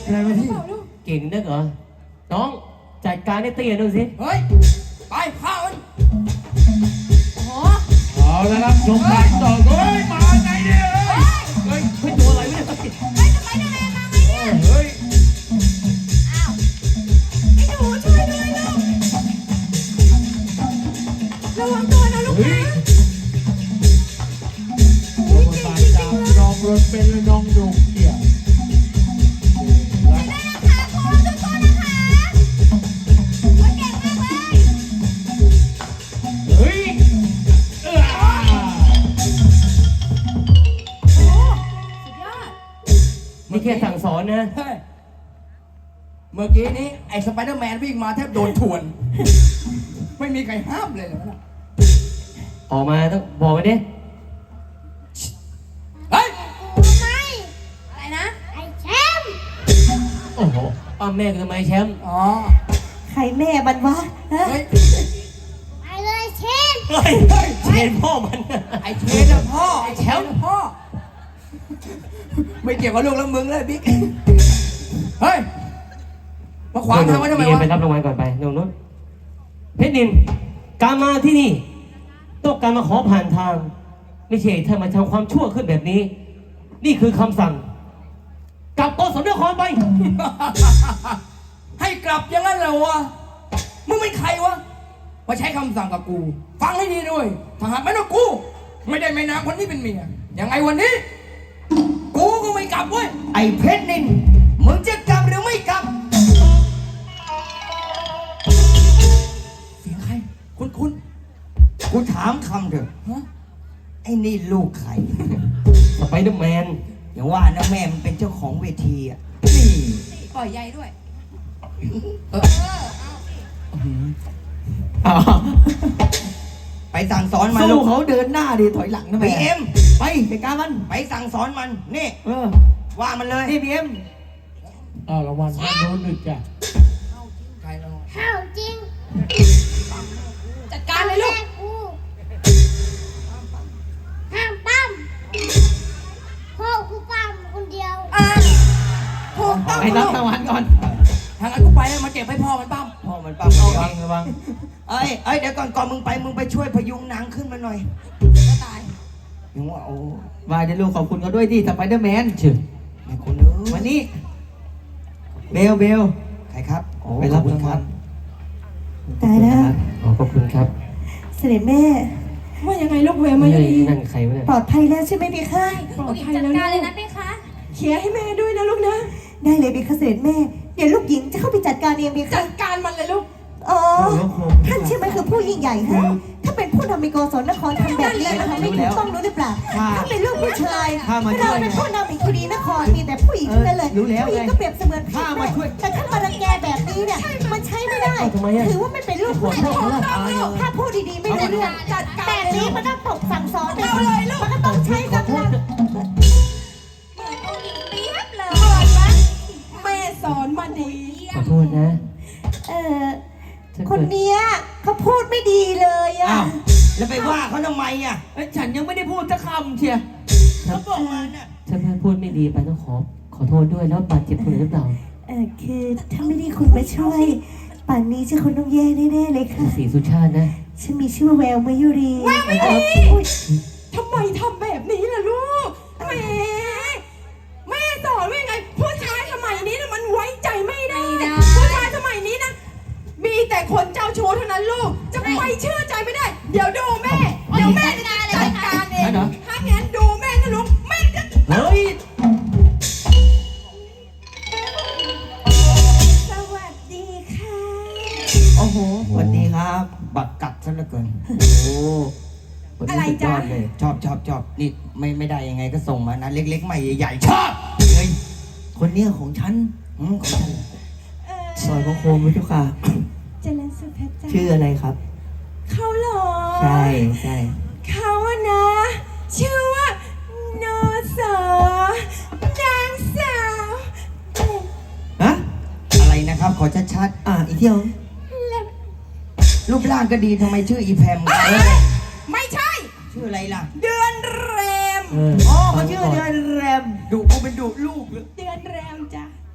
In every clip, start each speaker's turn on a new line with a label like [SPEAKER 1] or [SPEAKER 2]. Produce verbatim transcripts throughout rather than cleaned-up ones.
[SPEAKER 1] อะไรมาพี่
[SPEAKER 2] เก่งนักเหรอน้องจัดการให้เตี้ยดูสิ
[SPEAKER 3] เฮ้ยไปข้ามันโอ้โห
[SPEAKER 1] เอาแล้วครับชมกันต่อเฮ้ยมาไงเนี่ย
[SPEAKER 2] เฮ้ยเฮ้ยตัวอะไรเนี่ย
[SPEAKER 3] เฮ้ยทำไมทำไมมาไงเนี่ย
[SPEAKER 1] เฮ้ย
[SPEAKER 3] อ้าวไอ้หนูช่วยด้วยลูกระวังตัวนะลูกนะ
[SPEAKER 1] โอ้ยตายจากน้องรถเป็นน้องดุเกี่ยว
[SPEAKER 2] นี่แค่สั่งสอนนะ
[SPEAKER 3] เมื่อกี้นี้ไอ้สไปเดอร์แมนวิ่งมาแทบโดนถ่วนไม่มีใครห้ามเลยเหรอ
[SPEAKER 2] ออกมาต้องบอกมาดิ
[SPEAKER 3] เฮ้ยไม่อะไรนะไอ้แชมป์
[SPEAKER 2] โอ้โหอ้าวแม่คือทำไมแชมป์
[SPEAKER 3] อ๋อ
[SPEAKER 4] ใครแม่มันวะ
[SPEAKER 3] เฮ้ย
[SPEAKER 4] ไปเลยเชน
[SPEAKER 2] เฮ้ยเชนพ่อมัน
[SPEAKER 3] ไอ้เชนนะพ่อไอ้แชมป์พ่อไม่เกี่ยวกับลูกแล้วมึงเลยบิ๊กเฮ้ยมาขวางทางไว้ทำไมวะ
[SPEAKER 2] ไปรับรางวัลก่อนไปตรงนู้นเพชรนินการมาที่นี่ต้องการมาขอผ่านทางไม่ใช่ถ้ามาทำความชั่วขึ้นแบบนี้ นี่คือคำสั่งกลับกสมนครไป
[SPEAKER 3] ให้กลับอย่างนั้นเหรอวะมึงเป็นใครวะมาใช้คำสั่งกับกูฟังให้ดีด้วยถ้าหากไม่ต้องกูไม่ได้แม่นางคนนี้เป็นเมียยังไงวันนี้กูก็ไม่กลับเว้ย
[SPEAKER 4] ไอ้เพชรนินมึงจะกลับหรือไม่กลับ
[SPEAKER 3] เสียงใครคุณคุณ
[SPEAKER 4] กูถามคำเถอะฮะไอ้นี่ลูกใคร
[SPEAKER 2] สไปเดอร์แมน
[SPEAKER 4] อย่าว่านะแม่มันเป็นเจ้าของเวทีอ่ะนี่
[SPEAKER 3] ปล่อยใหญ่ด้วย
[SPEAKER 4] เออเอาไปสั่งสอนมันลูกเขาเดินหน้าดิถอยหลังนะแม่บีเอ็มไปไปการมันไปสั่งสอนมันนี่เออว่ามันเลยนี่บีเอ็ม
[SPEAKER 1] อ้าวรางวัลท่านโน้นหนึ่งจ้ะ
[SPEAKER 3] ใครเรา
[SPEAKER 5] ห้าวจริง
[SPEAKER 3] จัดการเลยลูก
[SPEAKER 5] ห้ามปั้มพ่อกูปั้มคนเดียว
[SPEAKER 3] อ่าพ่อปั้ม
[SPEAKER 4] ไปรับรางวัลก่อน
[SPEAKER 3] ทางนั้นกูไปแล้วมาเก็บให้พ่อมันปั้ม
[SPEAKER 4] พ่อมันปั้มระวังระวังเอ้ยเอ้ยเดี๋ยวก่อนก่อนมึงไปมึงไปช่วยพยุงนางขึ้นมาหน่อย
[SPEAKER 3] ก็ตาย
[SPEAKER 4] ยังว่าโอ้วายเดี๋ยวลูกขอบคุณเขาด้วยที่สไปเดอร์แมน
[SPEAKER 2] ชื่อ
[SPEAKER 4] ไอ้คนเอ้ยวันนี้เบลเบลใครครับไปรับรางวัล
[SPEAKER 6] ตายแล้ว
[SPEAKER 2] ขอขอบคุณครับ
[SPEAKER 6] เสด็จแม่
[SPEAKER 3] ว่ายังไงลูกเวมาอย่างนี้
[SPEAKER 2] นั่นใครวะเนี่ย
[SPEAKER 6] ปลอดภัยแล้วใช่ไหมพี่ข้า
[SPEAKER 5] ปลอดภัยแล้วจัดการเลยนะพี่คะ
[SPEAKER 6] เขียให้แม่ด้วยนะลูกนะได้เลยพี่ข้าเสด็จแม่เดี๋ยวลูกหญิงจะเข้าไปจัดการเองพี่ข้า
[SPEAKER 3] จัดการมันเลยลูก
[SPEAKER 6] อ๋อท่านใช่ไหมคือผู้ยิ่งใหญ่ฮะถ้าเป็นผู้นำในโกศลนครทำแบบนี้นะคะไม่ถูกต้องรู้หรือเปล่าถ้าเป็นลูกผู้ชายเราเป็นผู้นำในคดีนครมีแต่ผู้หญิงนั่นเลยผู้หญิงก็เปรียบเสมือนพี่แม่แต่ถ้ามารังแกแบบนี้เนี่ยมันใช้ไม่ได้ถือว่าไม่เป็นลูกผู้ชายถ้าพูดดีๆไม่ได้เรื่องจัดการแบบนี้มันต้องตกสั่งสอนเลยลูกมันก็ต้องใช้กำลัง
[SPEAKER 3] แม่สอนมาดี
[SPEAKER 2] ขอโทษนะ
[SPEAKER 6] เออคนเนี้ยเขาพูดไม่ดีเลยอ่ะ
[SPEAKER 4] แล้วไปว่าเขาทำไมอ่ะฉันยังไม่ได้พูดสักคำเชียเขาบอกมาน่ะ
[SPEAKER 2] ถ้าแม่พูดไม่ดีไปต้องขอขอโทษด้วยแล้วบาดเจ็บคนหรือเปล่า
[SPEAKER 6] เออคือถ้าไม่ได้คุณมาช่วยป่านนี้ฉันคงต้องแย่แน่ๆเลยค่ะ
[SPEAKER 2] สีสุชาตินะ
[SPEAKER 6] ฉันมีชื่อแววมายุรี
[SPEAKER 3] แววมายุรีทำไมทำแบบนี้ล่ะลูกแม่แม่สอนว่าไงผู้ชายสมัยนี้นะมันไว้ใจไม่ได้ผู้ชายสมัยนี้นะมีแต่คนเจ้าชู้เท่านั้นลูกจะไปเชื่อใจไม่ได้เดี๋ยวดูแม่เดี๋ยวแม่จะจัดการเองถ้างั้นดูแม่นะลูกแม่จะ
[SPEAKER 2] เฮ้ย
[SPEAKER 6] สวัสดีค่ะ
[SPEAKER 4] โอ้โหสวัสดีครับบักกัดซะเหลือเกินโอ้
[SPEAKER 3] อะไรจ้า
[SPEAKER 4] เลยชอบชอบชอบนี่ไม่ไม่ได้ยังไงก็ส่งมานะเล็กๆใหม่ใหญ่ๆชอบเฮ้ยคนเนี้ยของฉันอืมของฉันซอยพระโคมวิทุค่ะ
[SPEAKER 6] เจริญสุขเพชรจ้า
[SPEAKER 4] ชื่ออะไรครับ
[SPEAKER 6] เขาหรอ
[SPEAKER 4] ใช่ใช่
[SPEAKER 6] เขาอะนะ ชื่อว่านอสอนางสาว
[SPEAKER 4] ฮะอะไรนะครับขอชัดๆอ่ะอีกเที่ยวรูปร่างก็ดีทำไมชื่ออีแพม
[SPEAKER 3] ไม่ใช่
[SPEAKER 4] ชื่ออะไรล่ะ
[SPEAKER 3] เดือนแรม
[SPEAKER 4] อ๋อเขาชื่อเดือนแรมดุกูเป็นดุลูก
[SPEAKER 3] เดือนแรมจ้ะ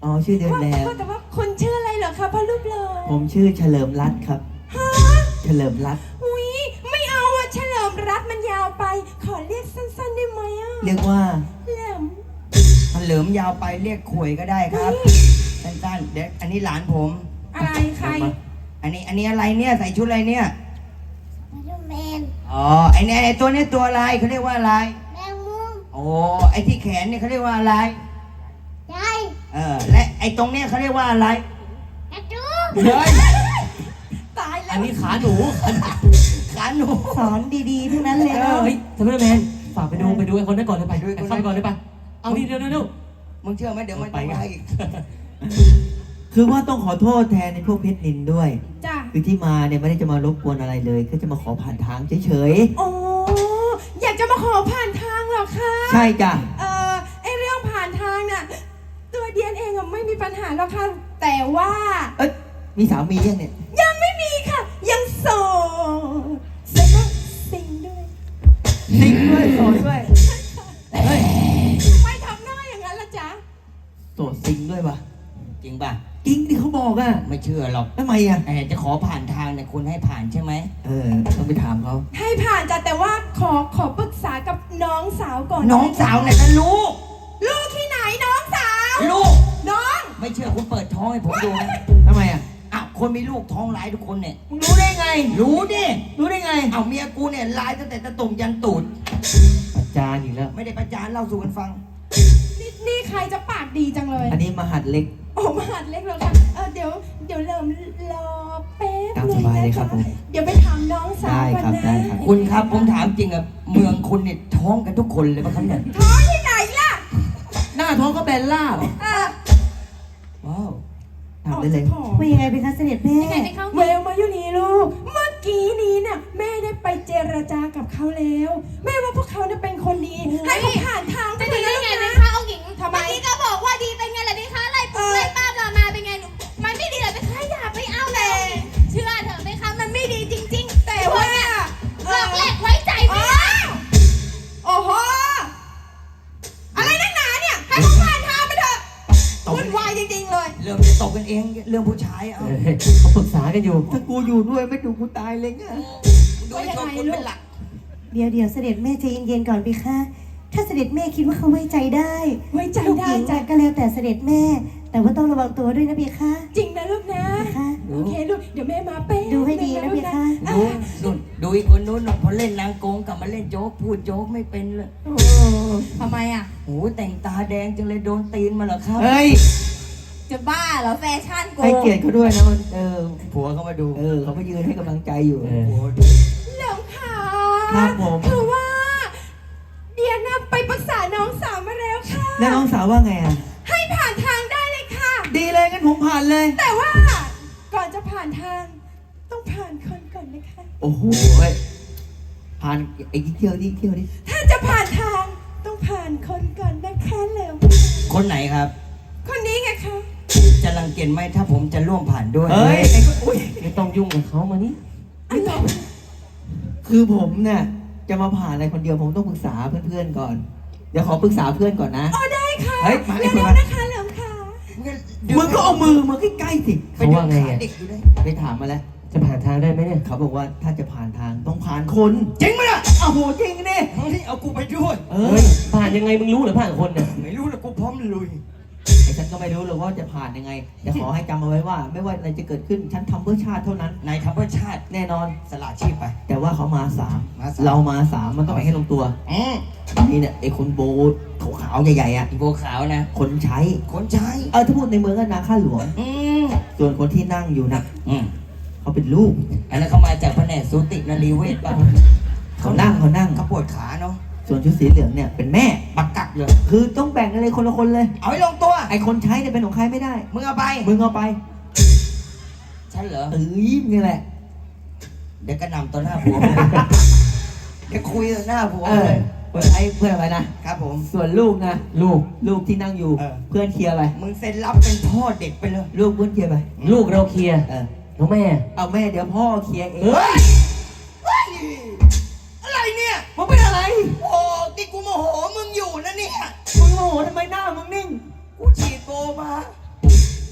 [SPEAKER 4] อ๋อชื่อเดือนแล้ว
[SPEAKER 3] ว่าแต่ว่าคนชื่ออะไรเหรอคะพ่อรูปหล่อ
[SPEAKER 4] ผมชื่อเฉลิมรัตน์ครับ
[SPEAKER 3] ฮะ
[SPEAKER 4] เฉลิมรัตน์
[SPEAKER 3] อุ้ยไม่เอาอะเฉลิมรัตน์มันยาวไป ขอเรียกสั้นๆได้ไหมอะ
[SPEAKER 4] เรียกว่า
[SPEAKER 3] แหลม
[SPEAKER 4] เฉลิมยาวไปเรียกขวยก็ได้ครับสั้นๆเด็กอันนี้หลานผม
[SPEAKER 3] อะไรใคร
[SPEAKER 4] อันนี้อันนี้อะไรเนี่ยใส่ชุดอะไรเนี่ย
[SPEAKER 5] มาดูแมน
[SPEAKER 4] อ๋อไอเนี่ยไอตัวเนี้ยตัวอะไรเขาเรียกว่าอะไร
[SPEAKER 5] แมงมุม
[SPEAKER 4] โอ้ไอที่แขนเนี่ยเขาเรียกว่าอะไร
[SPEAKER 5] ยาย
[SPEAKER 4] เออและไอตรงเนี้ยเขาเรียกว่าอะไร
[SPEAKER 5] กระจู
[SPEAKER 4] เฮ้ย
[SPEAKER 3] ตายแล้
[SPEAKER 2] อัน
[SPEAKER 3] ว
[SPEAKER 2] นี้ขาหนู
[SPEAKER 4] ขาหนู
[SPEAKER 6] สอนดีๆทั้งนั้นเลยเนาะ
[SPEAKER 2] เฮ้ยสไปเดอร์แมนฝากไปดูไปดูไอ้คนนั้นก่อนเลยไปไปเข้าไปก่อนเลยไปเอานี่เร็วเร็วเร็ว
[SPEAKER 4] มึงเชื่อไหมเดี๋ยวมัน
[SPEAKER 2] ไป
[SPEAKER 4] จะ
[SPEAKER 2] ไง
[SPEAKER 4] มาอีก
[SPEAKER 7] คือว่าต้องขอโทษแทนในพวกเพชรนินด้วย
[SPEAKER 3] จ้ะ
[SPEAKER 7] คือที่มาเนี่ยไม่ได้จะมารบกวนอะไรเลยแค่จะมาขอผ่านทางเฉย
[SPEAKER 3] โอ้อยากจะมาขอผ่านทางเหรอคะ
[SPEAKER 7] ๆ ใช่จ้ะ
[SPEAKER 3] เอ่อไอเรื่องผ่านทางน่ะตัวเดียนเองอะไม่มีปัญหาหรอกค่ะแต่ว่า
[SPEAKER 7] เอ้ยมีสามียังเนี่ย
[SPEAKER 3] ยังไม่มีค่ะ ยังโสดแล้วก็ซิงด้วย
[SPEAKER 7] ซิงด้วยโสดด้วยเฮ้ย
[SPEAKER 3] ไม่ทำหน้าอย่างนั้นละจ๊ะ
[SPEAKER 7] โสดซิงด้วยปะ
[SPEAKER 4] จริงป่ะ
[SPEAKER 7] จริงที่เขาบอกอ่ะ
[SPEAKER 4] ไม่เชื่อหรอก
[SPEAKER 7] ทำไมอ่ะ
[SPEAKER 4] เออจะขอผ่านทางเนี่ยคุณให้ผ่านใช่ไหม
[SPEAKER 7] เออต้องไปถามเขา
[SPEAKER 3] ให้ผ่านจ้ะแต่ว่าขอขอปรึกษากับน้องสาวก่อน
[SPEAKER 4] น้องสาวเนี่ยนะลูก
[SPEAKER 3] ลูกที่ไหนน้องสาว
[SPEAKER 4] ลูก
[SPEAKER 3] น้อง
[SPEAKER 4] ไม่เชื่อคุณเปิดท้องให้ผมดูนะ
[SPEAKER 7] ทำไมอ่ะ
[SPEAKER 4] อ้าวคนมีลูกท้องร้ายทุกคนเนี่ย
[SPEAKER 7] มึงรู้ได้ไง
[SPEAKER 4] รู้ดิ
[SPEAKER 7] รู้ได้ไง
[SPEAKER 4] เอาเมียกูเนี่ยร้ายตั้งแต่ตะตุ่มยันตูด
[SPEAKER 2] อาจารย์อีกแล้ว
[SPEAKER 4] ไม่ได้ประจานเล่าสู่กันฟัง
[SPEAKER 3] นี่นี่ใครจะปากดีจังเลย
[SPEAKER 7] อันนี้มหัดเล็ก
[SPEAKER 3] โอ้มหาดเล็กเหรอคะเออเดี๋ยวเดี๋ยวเริ่มรอแป๊บ
[SPEAKER 7] ตามสบายเลยครับผม
[SPEAKER 3] เดี๋ยวไปถามน้องสาว
[SPEAKER 7] ได้
[SPEAKER 3] ก่อน
[SPEAKER 7] ครับ
[SPEAKER 3] นะ
[SPEAKER 7] ได้ครับ
[SPEAKER 4] คุณครับผมถามจริงอะเมืองคุณเนี่ยท้องกันทุกคนเลยป่ะครับเนี่ย
[SPEAKER 3] ท้องที่ไหนล่ะ
[SPEAKER 7] หน้าท้องก็แบนล่าบ
[SPEAKER 3] เออ
[SPEAKER 4] ว้าว
[SPEAKER 7] ถามได้เลย
[SPEAKER 3] ออก
[SPEAKER 6] ว่ายังไงเป็นคะเสด็จแม่
[SPEAKER 5] ยังไงไปเข้า
[SPEAKER 3] เวลมาอยู่นี่ลูก เมื่อกี้นี้น่ะแม่ได้ไปเจรจากับเขาแล้ว แม่ว่าพวกเขาเนี่ยเป็นคนดีให้เขาผ่านทางไป
[SPEAKER 5] จะ
[SPEAKER 3] เล
[SPEAKER 5] ดี
[SPEAKER 3] ย
[SPEAKER 5] ได้
[SPEAKER 3] นะ
[SPEAKER 5] ไง
[SPEAKER 3] ลูก
[SPEAKER 5] เป็น
[SPEAKER 3] นะ
[SPEAKER 5] คะองค์หญิง
[SPEAKER 3] ทำไม
[SPEAKER 5] เมื่อกี้ก็บอกว่าดีเป็นไงล่ะพี่คะไล่ปุ๊บไล่ป้าเรามาเป็นไงหนูมันไม่ดีเลยเป็นคะอย่าไปเอาเลย เชื่อเถอะไหมคะมันไม่ดีจริงๆ
[SPEAKER 3] แต่ว่า
[SPEAKER 5] หลอกแหลกไว้ใจไม่ได้
[SPEAKER 3] โอ้โห อะไรนักหนาเนี่ย ให้เขาผ่านทางไปเถอะวุ่นวายจริงๆเลย
[SPEAKER 4] เริ่มจะตกกันเองเรื่องผู้ชายเอา
[SPEAKER 2] เออเขาปรึกษากันอยู่
[SPEAKER 7] ถ้ากูอยู่ด้วยไม่ดูกูตายเลยไง
[SPEAKER 4] โดยชนคุณเป็นหลัก
[SPEAKER 6] เดี๋ยวเดี๋ยวเสด็จแม่ใจเย็นๆก่อนพี่คะถ้าเสด็จแม่คิดว่าเขาไว้ใจได้
[SPEAKER 3] ไว้ใจ
[SPEAKER 6] ลูก
[SPEAKER 3] ได้
[SPEAKER 6] หญิง
[SPEAKER 3] จ้ะ
[SPEAKER 6] ก็แล้วแต่เสด็จแม่ แต่ว่าต้องระวังตัวด้วยนะพี่คะ
[SPEAKER 3] จริงนะลูกนะ
[SPEAKER 6] พี่คะ
[SPEAKER 3] โอเคลูก เดี๋ยวแม่มาเป๊ะ
[SPEAKER 6] ดูให้ดีนะพี่คะ
[SPEAKER 3] อ่
[SPEAKER 4] ดูนู่นดูอีกคนนู้นน่ะพอเล่นนางโกงกลับมาเล่นโจ๊กพูดโจ๊กไม่เป็นเลย
[SPEAKER 3] โอ้ทำไมอ่ะ
[SPEAKER 4] โอ้แต่งตาแดงจังเลยโดนตีนมาเหรอครับ
[SPEAKER 7] เฮ้ย
[SPEAKER 3] จะบ้าเหรอแฟชั่นโก
[SPEAKER 7] ให้เกียรติเขาด้วยนะมันเออ
[SPEAKER 4] ผัวเขามาดู
[SPEAKER 7] เออเขาไปยืนให้กำลังใจอยู่
[SPEAKER 2] เออ
[SPEAKER 4] ผัว
[SPEAKER 3] เหลิมขา
[SPEAKER 7] ครับผม
[SPEAKER 3] คือว่า เดียนะไปปรึกษาน้องสาวมาแล้วค่ะ
[SPEAKER 7] แล้วน้องสาวว่าไงอ่ะ
[SPEAKER 3] ให้ผ่านทางได้เลยค่ะ
[SPEAKER 7] ดีเลยงั้นผมผ่านเลย
[SPEAKER 3] แต่ว่าก่อนจะผ่านทาง ต้องผ่านคนก่อนนะคะ
[SPEAKER 7] โอ้โหเฮ้ยผ่านไอ้ที่เที่ยวนี่เที่ยวนี่
[SPEAKER 3] ถ้าจะผ่านทางต้องผ่านคนก่อนนะคะเหลิม
[SPEAKER 4] คนไหนครับ
[SPEAKER 3] คนนี้ไงคะ
[SPEAKER 4] จะรังเกียจไหมถ้าผมจะร่วมผ่านด้วย
[SPEAKER 7] เฮ้ยไอ้ก็อุ้ย
[SPEAKER 2] ไม่ต้องยุ่งกับเขามานี่
[SPEAKER 3] ไม่ต้อง
[SPEAKER 7] คือผมเนี่ยจะมาผ่านอะไรคนเดียวผมต้องปรึกษาเพื่อนๆก่อน เดี๋ยวขอปรึกษาเพื่อนก่อนนะ
[SPEAKER 3] อ๋อได้ค่ะ
[SPEAKER 7] เฮ้ยมาดิ
[SPEAKER 3] เร็ว
[SPEAKER 7] มา
[SPEAKER 3] ๆนะคะเหลิมค่ะ
[SPEAKER 7] มึงก็เอามือมาใกล้ๆสิ
[SPEAKER 2] เขาว่าไงอ่ะ
[SPEAKER 4] เด็กอยู่เลย
[SPEAKER 7] ไปถามมาแล้ว
[SPEAKER 2] จะผ่านทางได้ไหมเนี่ย
[SPEAKER 7] เขาบอกว่าถ้าจะผ่านทางต้องผ่านคน
[SPEAKER 4] จริงไหมล่ะ
[SPEAKER 7] อ้าวโหจริงนี่
[SPEAKER 4] เฮ้ยเอากูไปด้วย
[SPEAKER 7] เอ
[SPEAKER 2] เฮ้
[SPEAKER 7] อย
[SPEAKER 2] ผ่านยังไงมึงรู้เหรือผ่านคนเนี่ย
[SPEAKER 4] ไม่รู้หรอกกูพร้อมลุย
[SPEAKER 7] ไอ้ฉันก็ไม่รู้หรอกว่าจะผ่านยังไงแต่ขอให้จำเอาไว้ว่า ไม่ว่าอะไรจะเกิดขึ้นฉันทำเพื่อชาติเท่านั้น
[SPEAKER 4] นายทำเพื่อชาติ
[SPEAKER 7] แน่นอน
[SPEAKER 4] สละชีพไป
[SPEAKER 7] แต่ว่าเขามาสาม
[SPEAKER 4] มาสาม
[SPEAKER 7] เรามาสามมันต้องไปให้ลงตัว
[SPEAKER 4] อืม
[SPEAKER 7] นี่เนี่ยไอ้คนโบขาวๆใหญ่ๆอ่ะ
[SPEAKER 4] อีโบวขาวนะ
[SPEAKER 7] คนใช้
[SPEAKER 4] คนใช้
[SPEAKER 7] เออถ้าพูดในเมืองก็นาข้าหลวง
[SPEAKER 4] อืม
[SPEAKER 7] ส่วนคนที่นั่งอยู่นะ
[SPEAKER 4] อืม
[SPEAKER 7] เขาเป็นลูก
[SPEAKER 4] อันนั้นเขามาจากแผนกสูตินรีเวชป่ะ
[SPEAKER 7] เขานั่งเขานั่ง
[SPEAKER 4] เขาปวดขาเนาะ
[SPEAKER 7] ส่วนชุดสีเหลืองเนี่ยเป็นแม่
[SPEAKER 4] ปักกักเลย
[SPEAKER 7] คือต้องแบ่งกันเลยคนละคนเลย
[SPEAKER 4] เอาให้ลงตัว
[SPEAKER 7] ไอ้คนใช้เนี่ยเป็นของใครไม่ได้
[SPEAKER 4] มึงเอาไป
[SPEAKER 7] มึงเอาไป
[SPEAKER 4] ฉันเหรอ
[SPEAKER 7] เอ้ยนี่แหละ
[SPEAKER 4] เดี๋ยวกระหน่ำต่อหน้าผัว เดี๋ยวคุยต่อหน้าผัว
[SPEAKER 7] เอ
[SPEAKER 4] เล
[SPEAKER 7] อย เพื่อนไอ้เพื่อนอะไรนะ
[SPEAKER 4] ครับผม
[SPEAKER 7] ส่วนลูกนะ
[SPEAKER 2] ลูก
[SPEAKER 7] ลูกที่นั่งอยู่
[SPEAKER 4] เออ
[SPEAKER 7] เพื่อนเคลียร์ไป
[SPEAKER 4] มึงเซ็นรับเป็นพ่อเด็กไปเลย
[SPEAKER 7] ลูกเพื่อนเคลียร์ไป
[SPEAKER 2] ลูกเราเคลียร์
[SPEAKER 7] เออ
[SPEAKER 2] น้องแม่
[SPEAKER 7] เอาแม่เดี๋ยวพ่อเคลียร์เอง
[SPEAKER 4] เฮ้ย เฮ้ย อะไรเนี่ย
[SPEAKER 7] มึงเป็นอะไร
[SPEAKER 4] โอ้ที่กูโมโหมึงอยู่นะเนี่ย
[SPEAKER 7] มึงโง่ทำไมหน้ามึงนิ่ง
[SPEAKER 4] กูฉีดโบมา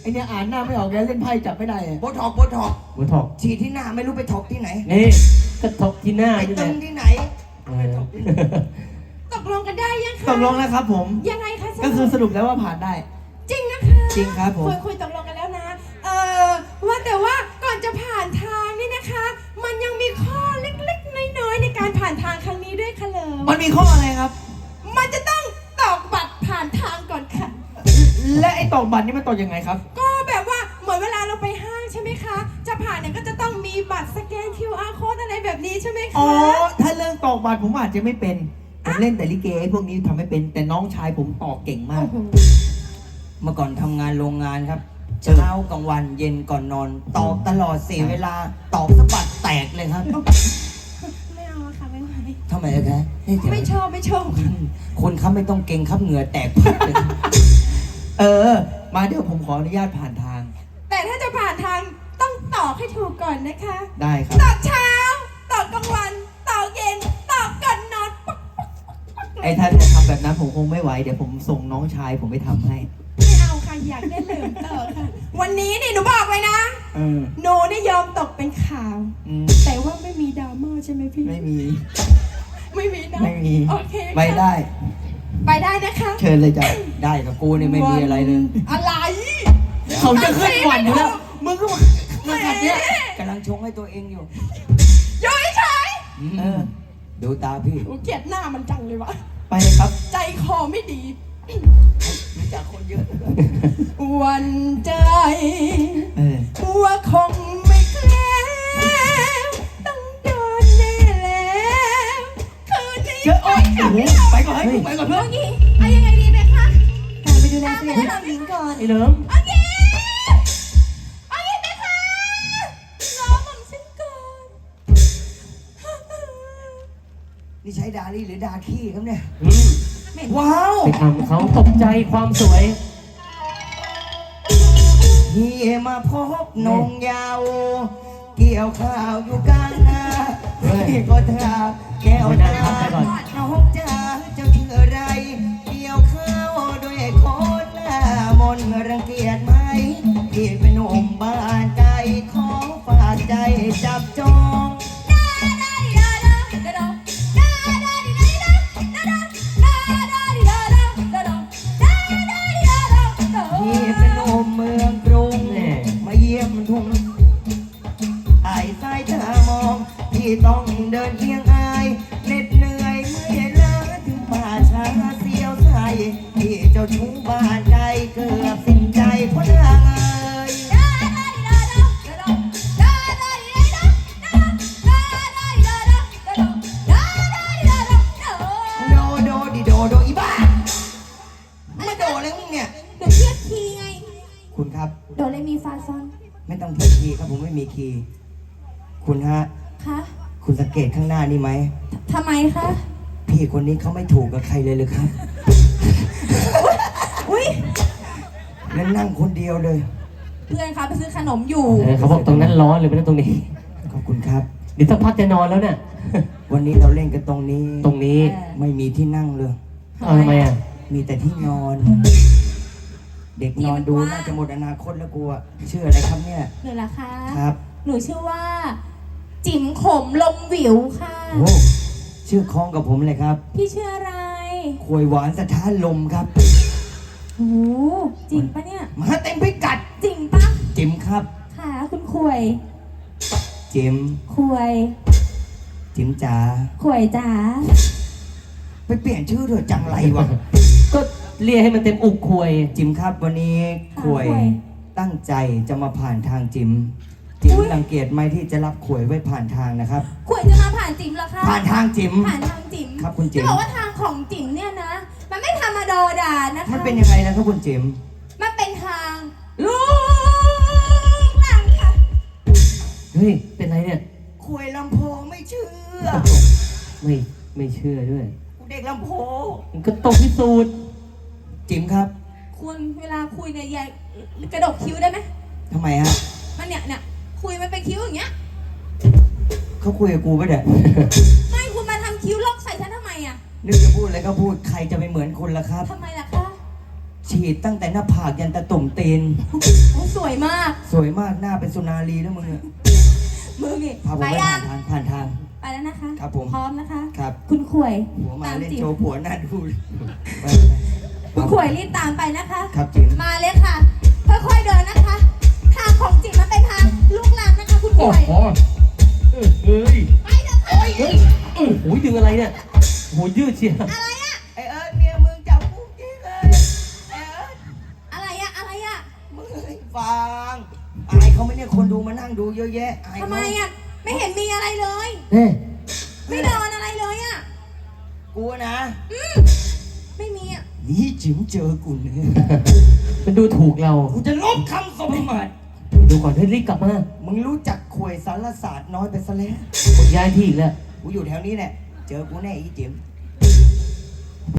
[SPEAKER 7] ไอเนี่ยอ่านหน้าไม่ออกแล้วเล่นไพ่จับไม่ได้อะ
[SPEAKER 4] โบท็อกโบท็อก
[SPEAKER 2] หัวถอก
[SPEAKER 4] ฉีดที่หน้าไม่รู้ไปถอกที่ไหน
[SPEAKER 2] นี่ก็ถอกที่หน้า
[SPEAKER 4] ไป
[SPEAKER 2] นี่แห
[SPEAKER 4] ตึ
[SPEAKER 2] ละ
[SPEAKER 4] งที่ไหน
[SPEAKER 2] เออ
[SPEAKER 3] ตกลงกันได้ยังคะ
[SPEAKER 7] ตกลงแล้วครับผม
[SPEAKER 3] ยังไงคะ
[SPEAKER 7] ก็คือสรุปแล้วว่าผ่านได้
[SPEAKER 3] จริงนะคะ
[SPEAKER 7] จริงครับผม
[SPEAKER 3] คุยคุยตกลงกันแล้วนะ เออว่าแต่ว่าก่อนจะผ่านทางนี่นะคะ มันยังมีข้อเล็กๆน้อยๆในการผ่านทางครั้งนี้ด้วยค่ะเลย
[SPEAKER 7] มันมีข้ออะไรครับ
[SPEAKER 3] มันจะต้องตอกบัตรผ่านทางก่อนค่ะ
[SPEAKER 7] และไอ้ตอกบัตรนี่มันตอกยังไงครับ
[SPEAKER 3] ก็แบบว่าเหมือนเวลาเราไปห้างใช่ไหมคะ จะผ่านเนี่ยก็จะต้องมีบัตรสแกน คิว อาร์ code อะไรแบบนี้ใช่ไหมคะ
[SPEAKER 7] อ๋อ ถ้าเรื่องตอกบัตรผมอาจจะไม่เป็น ผมเล่นแต่ลิเกพวกนี้ทำไม่เป็น แต่น้องชายผมตอกเก่งมาก
[SPEAKER 3] โอ้โห
[SPEAKER 4] เมื่อก่อนทำงานโรงงานครับ เช้ากลางวันเย็นก่อนนอน ตอกตลอดเสียเวลา ตอกสะบัดแตกเลยครับ
[SPEAKER 3] ไม่เอาอะค่ะไม่ไหว
[SPEAKER 4] ทำไมอะคะนี่เดี๋ยว
[SPEAKER 3] ไม่ชอบไม่ชอบ
[SPEAKER 4] คนครับไม่ต้องเก่งครับเหงื่อแตกพัดเลยครับ
[SPEAKER 7] เออ มาเดี๋ยวผมขออนุญาตผ่านทาง
[SPEAKER 3] แต่ถ้าจะผ่านทางต้องตอกให้ถูกก่อนนะคะ
[SPEAKER 7] ได้ครับ
[SPEAKER 3] ตอกเช้า ตอกกลางวัน ตอกเย็น ตอกก่อนนอนปั๊ก
[SPEAKER 7] ไอ้ท่านจะทำแบบนั้นผมคงไม่ไหว เดี๋ยวผมส่งน้องชายผมไปทำให้
[SPEAKER 3] ไม่เอาค่ะอยากได้เหลืองตอกค่ะ วันนี้นี่หนูบอกเลยนะ
[SPEAKER 7] เออ
[SPEAKER 3] หนูนี่ยอมตกเป็นข่าว
[SPEAKER 7] อืม
[SPEAKER 3] แต่ว่าไม่มีดราม่าใช่ไหมพี่
[SPEAKER 7] ไม่มี
[SPEAKER 3] ไม่มีนะ
[SPEAKER 7] ไม่มี
[SPEAKER 3] โอเคค่ะ
[SPEAKER 7] ไม่ได้
[SPEAKER 3] ไปได้นะคะ
[SPEAKER 7] เชิญเลยจ้ะ
[SPEAKER 4] ได้กับกูเนี่ยไม่มีอะไรเลย
[SPEAKER 3] อะไร
[SPEAKER 7] เขาจะขึ้นหวันอยู่แล้ว มึงก็มามาขัดเนี้ย
[SPEAKER 4] กำลังชงให้ตัวเองอยู่
[SPEAKER 3] อยู่เฉย
[SPEAKER 4] อืม
[SPEAKER 7] เออ
[SPEAKER 4] ดูตาพี่
[SPEAKER 3] ๆหนูเกลียดหน้ามันจังเลยวะ
[SPEAKER 7] ไปเลยครับ
[SPEAKER 3] ใจคอไม่ดี
[SPEAKER 4] รู้จักคนเยอะ
[SPEAKER 3] หวันใจ
[SPEAKER 7] เออ
[SPEAKER 3] ว่าคงไม่แคล้วต้องโดนแน่แล้วคืนนี้
[SPEAKER 7] เจอโอ๊ยโอ้โหไปก่อนให้กูไปก่อนเพื่อน
[SPEAKER 5] เอางี้เอายังไงดีไหมคะ
[SPEAKER 6] การไปดูแลเสด็จพี่หญิงก่อน
[SPEAKER 2] ไอ้เหลิม
[SPEAKER 5] เอางี้เอางี้ไหมคะรอผมฉันก่อน
[SPEAKER 4] นี่ใช้ดาลี่หรือดาขี้ครับเนี่ย
[SPEAKER 2] อืม
[SPEAKER 4] ว้าว
[SPEAKER 2] ไปทำเขาตกใจความสวย
[SPEAKER 4] เฮียมาพบนงยาว เกี่ยวข้าวอยู่กลางนา
[SPEAKER 2] เฮ้ย
[SPEAKER 4] พี่ก็ถามแก้ว
[SPEAKER 2] ไม่
[SPEAKER 4] ตา
[SPEAKER 2] น่าทำไปก่อน
[SPEAKER 4] น้องจ๋าเจ้าชื่ออะไร เกี่ยวข้าวด้วยคนหน้ามนต์รังเกียจไหมพี่เป็นหนุ่มบ้านใจขอฝากใจจับจอง พี่เป็นหนุ่มเมืองกรุง
[SPEAKER 2] แน่
[SPEAKER 4] มาเยี่ยมทุ่งไอ้สายตามอง พี่ต้องเดินเคียงอายเหน็ดเหนื่อยเมื่อยล้าถึงป่าช้าเสียวใจพี่เจ้าชู้บ้านใจเกือบสิ้นใจเพราะนางเอ่ยโดโดดิโดโดอีบ้าไม่โดอะไรมึงเนี่ย
[SPEAKER 5] เดี๋ยวเทียบคีย์ไง
[SPEAKER 4] คุณครับ
[SPEAKER 5] โดเรมีฟาซอน
[SPEAKER 4] ไม่ต้องเทียบคีย์ครับผมไม่มีคีย์คุณฮะ
[SPEAKER 5] คะ
[SPEAKER 4] คุณสังเกตข้างหน้านี่ไหม
[SPEAKER 5] ทำไมคะ
[SPEAKER 4] พี่คนนี้เขาไม่ถูกกับใครเลยเลยครับ
[SPEAKER 5] อุ้ย
[SPEAKER 4] แล้วนั่งคนเดียวเลย
[SPEAKER 5] เพื่อนเขาไปซื้อขนมอยู่
[SPEAKER 2] เออเขาบอกตรงนั้นร้อนเลยไม่ใช่ตรงนี้
[SPEAKER 4] ขอบคุณครับ
[SPEAKER 2] เดี๋ยวสักพักจะนอนแล้วเนี่ย
[SPEAKER 4] วันนี้เราเล่นกันตรงนี้
[SPEAKER 2] ตรงนี้
[SPEAKER 4] ไม่มีที่นั่งเลย
[SPEAKER 2] เอาทำไมอ่ะ
[SPEAKER 4] มีแต่ที่นอน เด็กนอนดูน่าจะหมดอนาคตแล้วกูอะชื่ออะไรครับเนี่ย
[SPEAKER 5] หนูล่ะคะ
[SPEAKER 4] ครับ
[SPEAKER 5] หนูชื่อว่า จิ๋มขมลมหวิวค่ะ
[SPEAKER 4] โอ้ชื่อคล้องกับผมเลยครับ
[SPEAKER 5] พี่ชื่ออะไร
[SPEAKER 4] ขวยหวานสถานลมครับ
[SPEAKER 5] โอ้จริงปะเนี่ย
[SPEAKER 4] มาเต็มพิกัด
[SPEAKER 5] จริงปะ
[SPEAKER 4] จิมครับ
[SPEAKER 5] ค่ะคุณขวย
[SPEAKER 4] จิม
[SPEAKER 5] ขวย
[SPEAKER 4] จิมจ๋า
[SPEAKER 5] ขวยจ๋า
[SPEAKER 4] ไปเปลี่ยนชื่อเถอะจังไรวะ
[SPEAKER 2] ก็เรียกให้มันเต็มอุกควย
[SPEAKER 4] จิมครับวันนี้ขวย
[SPEAKER 5] ขวย
[SPEAKER 4] ตั้งใจจะมาผ่านทางจิม จิมรังเกียจไหมที่จะรับขวยไว้ผ่านทางนะครับ
[SPEAKER 5] ขวยจะมาผ่านจิ๋มเหรอคะ
[SPEAKER 4] ผ่านทางจิม
[SPEAKER 5] ผ่านทางจิ๋ม
[SPEAKER 4] ครับคุณจิ๋ม
[SPEAKER 5] จะบอกว่าทางของจิ๋มเนี่ยนะ มันไม่ธรรมดาดานะคะ
[SPEAKER 4] มันเป็นยังไงนะครับคุณจิม
[SPEAKER 5] มันเป็นทางลูกหลังค่ะ
[SPEAKER 2] เฮ้ย เป็นไรเนี่ย
[SPEAKER 4] ขวยลำโพงไม่เชื่อ
[SPEAKER 2] ไม่ไม่เชื่อด้วย
[SPEAKER 4] กูเด็กลำโพง
[SPEAKER 2] มันก็ต้องพิสูจน์
[SPEAKER 4] จิมครับ
[SPEAKER 5] คุณเวลาคุยเนี่ยอย่ากระดกคิ้วได้ไหม
[SPEAKER 4] ทำไมฮะ
[SPEAKER 5] มันเนี่ยเนี่ยคุยมันเป็นคิ้วอย่างเงี้ย
[SPEAKER 4] เขาคุยกับกูปะเด็ก
[SPEAKER 5] ไม่คุณมาทำคิ้วลอกใส่ฉันทำไมอ่ะ
[SPEAKER 4] นึกจะพูดอะไรก็พูดใครจะไปเหมือนคุณล่ะครับ
[SPEAKER 5] ทำไมล่ะคะ
[SPEAKER 4] ชฉีดตั้งแต่หน้าผากยันตะตุ่มตีน
[SPEAKER 3] โอ้สวยมาก
[SPEAKER 4] สวยมากหน้าเป็นสุนารีแล้วมึงอะ
[SPEAKER 3] มึงนี่
[SPEAKER 4] พาผม
[SPEAKER 3] ไป
[SPEAKER 4] ไป
[SPEAKER 3] ยั
[SPEAKER 4] ผ่าง นทางผ่านทาง
[SPEAKER 3] ไปแล้วนะคะ
[SPEAKER 4] ครับผม
[SPEAKER 3] พร้อมนะคะ
[SPEAKER 4] ครับ
[SPEAKER 3] คุณขวย
[SPEAKER 4] หัวมา
[SPEAKER 3] ตาม
[SPEAKER 4] เล่น
[SPEAKER 3] จีบ
[SPEAKER 4] โชว์ผัวหน้าดูไป
[SPEAKER 3] คุณขวยรีบตามไปนะคะ
[SPEAKER 4] ครับจิ๋ม
[SPEAKER 5] มาเลยค่ะ ค่อยๆเดินนะคะ ทางของจิ๋มมันเป็นทางลูกลังนะคะ คุณก
[SPEAKER 1] โอ้
[SPEAKER 5] ล้วย
[SPEAKER 1] โหเอ้ยเฮ้ย
[SPEAKER 5] ไปเถอะค่ะ
[SPEAKER 2] เฮ้ยโอ้โหดึงอะไรเนี่ยโหยืดเชียว
[SPEAKER 5] อะไรอะ
[SPEAKER 4] ไอเอิร์ธเมียมึงจับกูจริงเลยไอเอิร์ธ
[SPEAKER 5] อะไรอะอะไรอะ
[SPEAKER 4] มึงเอ้ยฟังอายเขาไหม่เนี่ยคนดูมานั่งดูเยอะแยะอาย
[SPEAKER 5] ทำ
[SPEAKER 4] เขา
[SPEAKER 5] ไมอะไม่เห็นมีอะไรเลย
[SPEAKER 2] เฮ้ย
[SPEAKER 5] ไม่เดินอะไรเลยอะ
[SPEAKER 4] กูนะ
[SPEAKER 5] ไม่มีอะ
[SPEAKER 4] นี่จิ๋มเจอกูเนี่ย
[SPEAKER 2] มันดูถูกเรา
[SPEAKER 4] กูจะลบคำสมบัติ
[SPEAKER 2] ดูก่อนให้รีบกลับมา
[SPEAKER 4] มึงรู้จักขวยสารศาสตร์น้อยไปซะแล้ว
[SPEAKER 2] ผมย้ายที่อีกแล้ว
[SPEAKER 4] กูอยู่แถวนี้แหละ เจอกูแน่อีจิ๋ม